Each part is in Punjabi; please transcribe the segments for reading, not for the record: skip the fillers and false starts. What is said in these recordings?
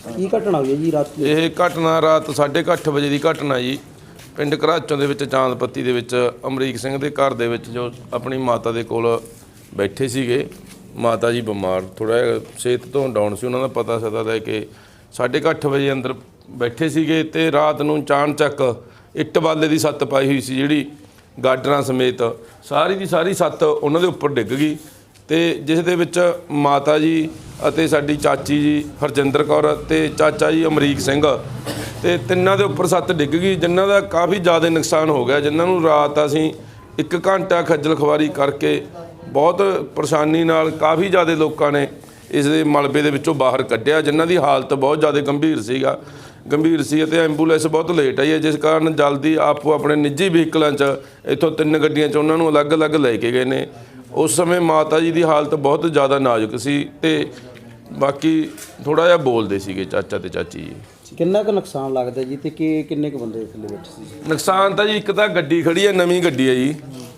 ਕੀ ਘਟਨਾ ਹੋਈ ਹੈ ਜੀ ਰਾਤ? ਇਹ ਘਟਨਾ ਰਾਤ 8:30 ਵਜੇ ਦੀ ਘਟਨਾ ਜੀ। ਪਿੰਡ ਘਰਾਚੋਂ ਦੇ ਵਿੱਚ ਚਾਂਦਪੱਤੀ ਦੇ ਵਿੱਚ ਅਮਰੀਕ ਸਿੰਘ ਦੇ ਘਰ ਦੇ ਵਿੱਚ ਜੋ ਆਪਣੀ ਮਾਤਾ ਦੇ ਕੋਲ ਬੈਠੇ ਸੀਗੇ। ਮਾਤਾ ਜੀ ਬਿਮਾਰ, ਥੋੜ੍ਹਾ ਜਿਹਾ ਸਿਹਤ ਤੋਂ ਡਾਊਨ ਸੀ। ਉਹਨਾਂ ਦਾ ਪਤਾ ਸਦਾ ਦਾ ਕਿ 8:30 ਵਜੇ ਅੰਦਰ ਬੈਠੇ ਸੀਗੇ ਅਤੇ ਰਾਤ ਨੂੰ ਚਾਣਚੱਕ ਇੱਟ ਬਾਲੇ ਦੀ ਛੱਤ ਪਾਈ ਹੋਈ ਸੀ, ਜਿਹੜੀ ਗਾਡਰਾਂ ਸਮੇਤ ਸਾਰੀ ਦੀ ਸਾਰੀ ਛੱਤ ਉਹਨਾਂ ਦੇ ਉੱਪਰ ਡਿੱਗ ਗਈ। ਅਤੇ ਜਿਸ ਦੇ ਵਿੱਚ ਮਾਤਾ ਜੀ ਅਤੇ ਸਾਡੀ ਚਾਚੀ ਜੀ ਹਰਜਿੰਦਰ ਕੌਰ ਅਤੇ ਚਾਚਾ ਜੀ ਅਮਰੀਕ ਸਿੰਘ ਅਤੇ ਤਿੰਨਾਂ ਦੇ ਉੱਪਰ ਛੱਤ ਡਿੱਗ ਗਈ, ਜਿਨ੍ਹਾਂ ਦਾ ਕਾਫੀ ਜ਼ਿਆਦਾ ਨੁਕਸਾਨ ਹੋ ਗਿਆ, ਜਿਨ੍ਹਾਂ ਨੂੰ ਰਾਤ ਅਸੀਂ 1 ਘੰਟਾ ਖੱਜਲ ਖੁਆਰੀ ਕਰਕੇ ਬਹੁਤ ਪਰੇਸ਼ਾਨੀ ਨਾਲ ਕਾਫੀ ਜ਼ਿਆਦਾ ਲੋਕਾਂ ਨੇ ਇਸ ਦੇ ਮਲਬੇ ਦੇ ਵਿੱਚੋਂ ਬਾਹਰ ਕੱਢਿਆ, ਜਿਨ੍ਹਾਂ ਦੀ ਹਾਲਤ ਬਹੁਤ ਜ਼ਿਆਦਾ ਗੰਭੀਰ ਸੀ ਅਤੇ ਐਂਬੂਲੈਂਸ ਬਹੁਤ ਲੇਟ ਆਈ ਹੈ, ਜਿਸ ਕਾਰਨ ਜਲਦੀ ਆਪੋ ਆਪਣੇ ਨਿੱਜੀ ਵਹੀਕਲਾਂ 'ਚ ਇੱਥੋਂ 3 ਗੱਡੀਆਂ 'ਚ ਉਹਨਾਂ ਨੂੰ ਅਲੱਗ-ਅਲੱਗ ਲੈ ਕੇ ਗਏ ਨੇ। ਉਸ ਸਮੇਂ ਮਾਤਾ ਜੀ ਦੀ ਹਾਲਤ ਬਹੁਤ ਜ਼ਿਆਦਾ ਨਾਜ਼ੁਕ ਸੀ ਅਤੇ ਬਾਕੀ ਥੋੜ੍ਹਾ ਜਿਹਾ ਬੋਲਦੇ ਸੀਗੇ ਚਾਚਾ ਅਤੇ ਚਾਚੀ ਜੀ। ਕਿੰਨਾ ਕੁ ਨੁਕਸਾਨ ਲੱਗਦਾ ਜੀ ਅਤੇ ਕਿੰਨੇ ਕੁ ਬੰਦੇ ਥੱਲੇ ਬੈਠੇ ਸੀ? ਨੁਕਸਾਨ ਤਾਂ ਜੀ ਇੱਕ ਤਾਂ ਗੱਡੀ ਖੜੀ ਹੈ, ਨਵੀਂ ਗੱਡੀ ਹੈ ਜੀ,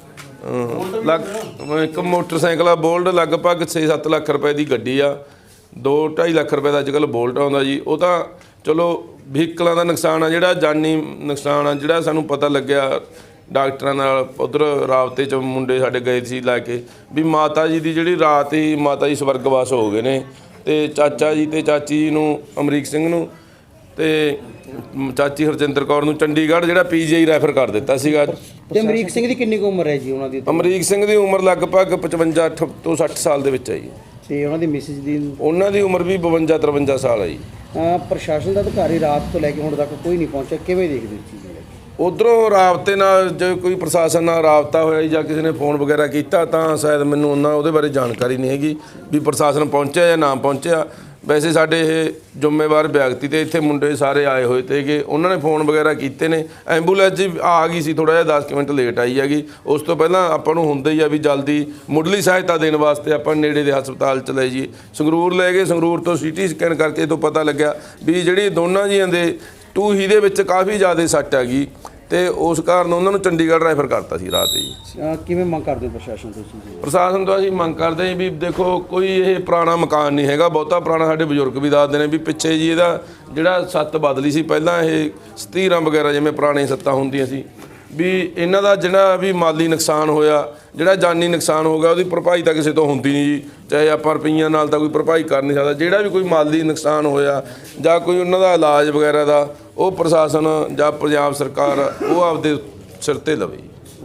ਇੱਕ ਮੋਟਰਸਾਈਕਲ ਆ ਬੋਲਟ, ਲਗਭਗ 6-7 ਲੱਖ ਰੁਪਏ ਦੀ ਗੱਡੀ ਆ। 2-2.5 ਲੱਖ ਰੁਪਏ ਦਾ ਅੱਜ ਕੱਲ੍ਹ ਬੋਲਟ ਆਉਂਦਾ ਜੀ। ਉਹ ਤਾਂ ਚਲੋ ਵਹੀਕਲਾਂ ਦਾ ਨੁਕਸਾਨ ਆ, ਜਿਹੜਾ ਜਾਨੀ ਨੁਕਸਾਨ ਆ, ਜਿਹੜਾ ਸਾਨੂੰ ਪਤਾ ਲੱਗਿਆ ਡਾਕਟਰਾਂ ਨਾਲ ਉੱਧਰ ਰਾਬਤੇ 'ਚ ਮੁੰਡੇ ਸਾਡੇ ਗਏ ਸੀ ਲੈ ਕੇ, ਵੀ ਮਾਤਾ ਜੀ ਦੀ ਜਿਹੜੀ ਰਾਤ ਹੀ ਮਾਤਾ ਜੀ ਸਵਰਗਵਾਸ ਹੋ ਗਏ ਨੇ। ਅਤੇ ਚਾਚਾ ਜੀ ਅਤੇ ਚਾਚੀ ਜੀ ਨੂੰ, ਅਮਰੀਕ ਸਿੰਘ ਨੂੰ ਅਤੇ ਚਾਚੀ ਹਰਜਿੰਦਰ ਕੌਰ ਨੂੰ ਚੰਡੀਗੜ੍ਹ ਜਿਹੜਾ PGI ਰੈਫਰ ਕਰ ਦਿੱਤਾ ਸੀਗਾ। ਅਤੇ ਅਮਰੀਕ ਸਿੰਘ ਦੀ ਕਿੰਨੀ ਕੁ ਉਮਰ ਹੈ ਜੀ ਉਹਨਾਂ ਦੀ? ਅਮਰੀਕ ਸਿੰਘ ਦੀ ਉਮਰ ਲਗਭਗ 55 ਤੋਂ 60 ਸਾਲ ਦੇ ਵਿੱਚ ਹੈ ਜੀ। ਅਤੇ ਉਹਨਾਂ ਦੀ ਮਿਸਿਸ ਦੀ? ਉਹਨਾਂ ਦੀ ਉਮਰ ਵੀ 52-53 ਸਾਲ ਹੈ ਜੀ। ਪ੍ਰਸ਼ਾਸਨ ਦਾ ਅਧਿਕਾਰੀ ਰਾਤ ਤੋਂ ਲੈ ਕੇ ਹੁਣ ਤੱਕ ਕੋਈ ਨਹੀਂ ਪਹੁੰਚਿਆ, ਕਿਵੇਂ ਦੇਖਦੇ ਹੋ ਚੀਜ਼? ਉੱਧਰੋਂ ਰਾਬਤੇ ਨਾਲ ਜੇ ਕੋਈ ਪ੍ਰਸ਼ਾਸਨ ਨਾਲ ਰਾਬਤਾ ਹੋਇਆ ਜਾਂ ਕਿਸੇ ਨੇ ਫੋਨ ਵਗੈਰਾ ਕੀਤਾ ਤਾਂ ਸ਼ਾਇਦ ਮੈਨੂੰ ਉਹਦੇ ਬਾਰੇ ਜਾਣਕਾਰੀ ਨਹੀਂ ਹੈਗੀ ਵੀ ਪ੍ਰਸ਼ਾਸਨ ਪਹੁੰਚਿਆ ਜਾਂ ਨਾ ਪਹੁੰਚਿਆ। ਵੈਸੇ ਸਾਡੇ ਇਹ ਜ਼ਿੰਮੇਵਾਰ ਵਿਅਕਤੀ ਅਤੇ ਇੱਥੇ ਮੁੰਡੇ ਸਾਰੇ ਆਏ ਹੋਏ ਤੇ ਉਹਨਾਂ ਨੇ ਫੋਨ ਵਗੈਰਾ ਕੀਤੇ ਨੇ। ਐਂਬੂਲੈਂਸ ਜੀ ਆ ਗਈ ਸੀ, ਥੋੜ੍ਹਾ ਜਿਹਾ 10 ਮਿੰਟ ਲੇਟ ਆਈ ਹੈਗੀ। ਉਸ ਤੋਂ ਪਹਿਲਾਂ ਆਪਾਂ ਨੂੰ ਹੁੰਦਾ ਹੀ ਆ ਵੀ ਜਲਦੀ ਮੁੱਢਲੀ ਸਹਾਇਤਾ ਦੇਣ ਵਾਸਤੇ ਆਪਾਂ ਨੇੜੇ ਦੇ ਹਸਪਤਾਲ 'ਚ ਲੈ ਜਾਈਏ। ਸੰਗਰੂਰ ਲੈ ਗਏ, ਸੰਗਰੂਰ ਤੋਂ CT ਸਕੈਨ ਕਰਕੇ ਤੋਂ ਪਤਾ ਲੱਗਿਆ ਵੀ ਜਿਹੜੀ ਦੋਨਾਂ ਜੀਆਂ ਦੇ ਟੂਹੀ ਦੇ ਵਿੱਚ ਕਾਫੀ ਜ਼ਿਆਦਾ ਸੱਟ ਹੈਗੀ ਅਤੇ ਉਸ ਕਾਰਨ ਉਹਨਾਂ ਨੂੰ ਚੰਡੀਗੜ੍ਹ ਰੈਫਰ ਕਰਤਾ ਸੀ ਰਾਤ ਜੀ। ਕਿਵੇਂ ਮੰਗ ਕਰਦੇ ਹੋ ਪ੍ਰਸ਼ਾਸਨ ਤੋਂ? ਪ੍ਰਸ਼ਾਸਨ ਤੋਂ ਅਸੀਂ ਮੰਗ ਕਰਦੇ ਹਾਂ ਵੀ ਦੇਖੋ, ਕੋਈ ਇਹ ਪੁਰਾਣਾ ਮਕਾਨ ਨਹੀਂ ਹੈਗਾ, ਬਹੁਤਾ ਪੁਰਾਣਾ। ਸਾਡੇ ਬਜ਼ੁਰਗ ਵੀ ਦੱਸਦੇ ਨੇ ਵੀ ਪਿੱਛੇ ਜੀ ਇਹਦਾ ਜਿਹੜਾ ਛੱਤ ਬਦਲੀ ਸੀ, ਪਹਿਲਾਂ ਇਹ ਸਤੀਰਾਂ ਵਗੈਰਾ ਜਿਵੇਂ ਪੁਰਾਣੀਆਂ ਛੱਤਾਂ ਹੁੰਦੀਆਂ ਸੀ, ਵੀ ਇਹਨਾਂ ਦਾ ਜਿਹੜਾ ਵੀ ਮਾਲੀ ਨੁਕਸਾਨ ਹੋਇਆ, ਜਿਹੜਾ ਜਾਨੀ ਨੁਕਸਾਨ ਹੋ ਗਿਆ, ਉਹਦੀ ਭਰਪਾਈ ਤਾਂ ਕਿਸੇ ਤੋਂ ਹੁੰਦੀ ਨਹੀਂ ਜੀ। ਚਾਹੇ ਆਪਾਂ ਰੁਪਈਆਂ ਨਾਲ ਤਾਂ ਕੋਈ ਭਰਪਾਈ ਕਰ ਨਹੀਂ ਸਕਦਾ। ਜਿਹੜਾ ਵੀ ਕੋਈ ਮਾਲੀ ਨੁਕਸਾਨ ਹੋਇਆ ਜਾਂ ਕੋਈ ਉਹਨਾਂ ਦਾ ਇਲਾਜ ਵਗੈਰਾ ਦਾ, ਉਹ ਪ੍ਰਸ਼ਾਸਨ ਜਾਂ ਪੰਜਾਬ ਸਰਕਾਰ ਉਹ ਆਪਦੇ ਸਿਰ 'ਤੇ ਲਵੇ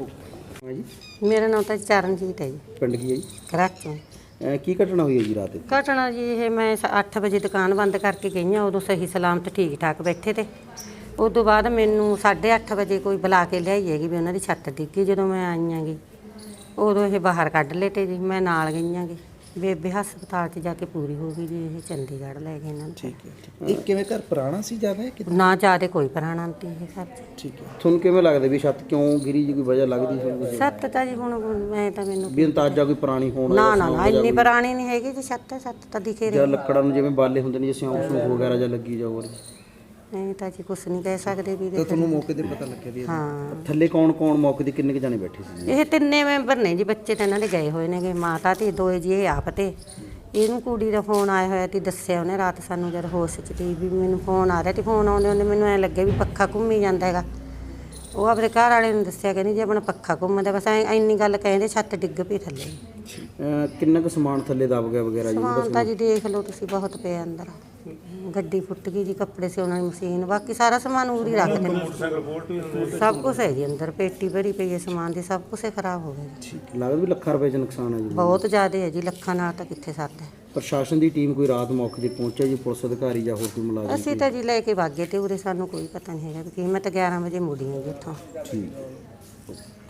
ਜੀ। ਮੇਰਾ ਨਾਮ ਤਾਂ ਚਰਨਜੀਤ ਹੈ ਜੀ। ਪਿੰਡ ਕੀ ਹੈ ਜੀ? ਘਰਾਚੋਂ। ਕੀ ਘਟਨਾ ਹੋਈ ਹੈ ਜੀ ਰਾਤ? ਘਟਨਾ ਜੀ ਇਹ ਮੈਂ 8 ਵਜੇ ਦੁਕਾਨ ਬੰਦ ਕਰਕੇ ਗਈ ਹਾਂ, ਉਦੋਂ ਸਹੀ ਸਲਾਮਤ ਠੀਕ ਠਾਕ ਬੈਠੇ ਤੇ ਉਦੋਂ ਬਾਅਦ ਮੈਨੂੰ 8:30 ਵਜੇ ਕੋਈ ਬੁਲਾ ਕੇ ਲਿਆਈ ਹੈਗੀ ਵੀ ਉਹਨਾਂ ਦੀ ਛੱਤ ਡਿੱਗੀ। ਜਦੋਂ ਮੈਂ ਆਈ ਆਂਗੀ ਉਦੋਂ ਇਹ ਬਾਹਰ ਕੱਢ ਲਏ ਤੇ ਜੀ ਮੈਂ ਨਾਲ ਗਈ ਆਂਗੀ। ਬੇਬੇ ਹਸਪਤਾਲ 'ਚ ਜਾ ਕੇ ਪੂਰੀ ਹੋ ਗਈ ਜੀ। ਇਹ ਚੰਡੀਗੜ੍ਹ ਲੈ ਗਏ ਇਹਨਾਂ ਨੂੰ। ਠੀਕ ਹੈ। ਇਹ ਕਿਵੇਂ ਘਰ ਪੁਰਾਣਾ ਸੀ ਜ਼ਿਆਦਾ? ਨਾ ਜ਼ਿਆਦਾ ਕੋਈ ਪੁਰਾਣਾ ਨਹੀਂ ਇਹ ਘਰ 'ਚ। ਠੀਕ ਹੈ। ਤੁਹਾਨੂੰ ਕਿਵੇਂ ਲੱਗਦਾ ਵੀ ਛੱਤ ਕਿਉਂ ਗਿਰੀ ਜੀ? ਕੋਈ ਵਜ੍ਹਾ ਲੱਗਦੀ ਸੀ? ਛੱਤ ਤਾਂ ਜੀ ਹੁਣ ਮੈਂ ਤਾਂ ਮੈਨੂੰ ਵੀ ਅੰਦਾਜ਼ਾ ਕੋਈ ਪੁਰਾਣੀ ਹੋਣ? ਨਾ ਇੰਨੀ ਪੁਰਾਣੀ ਨਹੀਂ ਹੈਗੀ ਜੀ ਛੱਤ ਤਾਂ ਦਿਖੇ ਰਹੀ। ਜਾਂ ਲੱਕੜਾਂ ਨੂੰ ਜਿਵੇਂ ਬਾਲੇ ਹੁੰਦੇ ਨੇ, ਜਿਵੇਂ ਸਿਉਂਕ ਵਗੈਰਾ ਜਾਂ ਲੱਗੀ ਜਾ ਹੋਰ? ਨਹੀਂ ਤਾਂ ਜੀ ਕੁਛ ਨਹੀਂ ਕਹਿ ਸਕਦੇ ਵੀ। ਤਾਂ ਤੁਹਾਨੂੰ ਮੌਕੇ 'ਤੇ ਪਤਾ ਲੱਗਿਆ ਵੀ? ਹਾਂ। ਥੱਲੇ ਕੌਣ ਮੌਕੇ 'ਤੇ ਕਿੰਨੇ ਕੁ ਜਾਣੇ ਬੈਠੇ ਸੀ? ਇਹ 3 ਮੈਂਬਰ ਨੇ ਜੀ। ਬੱਚੇ ਤਾਂ ਇਹਨਾਂ ਦੇ ਗਏ ਹੋਏ ਨੇਗੇ, ਮਾਤਾ ਤੇ 2 ਜੀ ਇਹ ਆਪ ਤੇ ਇਹਨੂੰ ਕੁੜੀ ਦਾ ਫੋਨ ਆਇਆ ਹੋਇਆ ਤੇ ਦੱਸਿਆ ਉਹਨੇ ਰਾਤ ਸਾਨੂੰ ਜਦ ਹੋਸ਼ 'ਚ ਤੀ ਵੀ ਮੈਨੂੰ ਫੋਨ ਆ ਰਿਹਾ ਤੇ ਫੋਨ ਆਉਂਦੇ ਮੈਨੂੰ ਐਂ ਲੱਗਿਆ ਵੀ ਪੱਖਾ ਘੁੰਮੀ ਜਾਂਦਾ ਹੈਗਾ। ਉਹ ਆਪਣੇ ਘਰ ਵਾਲੇ ਨੂੰ ਦੱਸਿਆ ਕਹਿੰਦੀ ਜੀ ਆਪਣਾ ਪੱਖਾ ਘੁੰਮਦਾ, ਬਸ ਇੰਨੀ ਗੱਲ ਕਹਿੰਦੇ। ਛੱਤ ਡਿੱਗ ਪਈ ਥੱਲੇ। ਕਿੰਨਾ ਕੁ ਸਮਾਨ ਥੱਲੇ ਦਬ ਗਿਆ ਵਗੈਰਾ ਜੀ? ਸਮਾਨ ਤਾਂ ਜੀ ਦੇਖ ਲਓ ਤੁਸੀਂ, ਬਹੁਤ ਪਿਆ ਅੰਦਰ। ਗੱਡੀ ਫੁੱਟ ਗਈ ਜੀ, ਕੱਪੜੇ ਸਿਉਣ ਦੀ ਮਸ਼ੀਨ, ਬਾਕੀ ਸਾਰਾ ਸਮਾਨ ਉਰੀ ਰੱਖ ਦਿੰਦੇ। ਸਭ ਕੁਛ ਹੈ ਜੀ ਅੰਦਰ, ਪੇਟੀ ਭਰੀ ਪਈ ਹੈ ਸਮਾਨ ਦੀ, ਸਭ ਕੁਛ ਖਰਾਬ ਹੋ ਗਿਆ ਜੀ। ਲੱਗਦਾ ਵੀ ਲੱਖਾਂ ਰੁਪਏ 'ਚ ਨੁਕਸਾਨ ਹੈ ਜੀ? ਬਹੁਤ ਜ਼ਿਆਦਾ ਹੈ ਜੀ, ਲੱਖਾਂ ਨਾਲ ਤਾਂ ਕਿੱਥੇ ਸਰਦਾ। ਪ੍ਰਸ਼ਾਸਨ ਦੀ ਟੀਮ ਕੋਈ ਰਾਤ ਮੌਕੇ 'ਤੇ ਪਹੁੰਚਿਆ ਜੀ? ਪੁਲਿਸ ਅਧਿਕਾਰੀ ਜਾਂ ਹੋਰ ਕੋਈ ਮੁਲਾਜ਼ਮ? ਅਸੀਂ ਤਾਂ ਜੀ ਲੈ ਕੇ ਵਗ ਗਏ ਤੇ ਉਰੇ ਸਾਨੂੰ ਕੋਈ ਪਤਾ ਨਹੀਂ ਹੈਗਾ ਕਿ ਮੈਂ ਤਾਂ 11 ਵਜੇ ਮੁੜੀ ਹਾਂ ਜੀ ਉੱਥੋਂ। ਠੀਕ ਹੈ।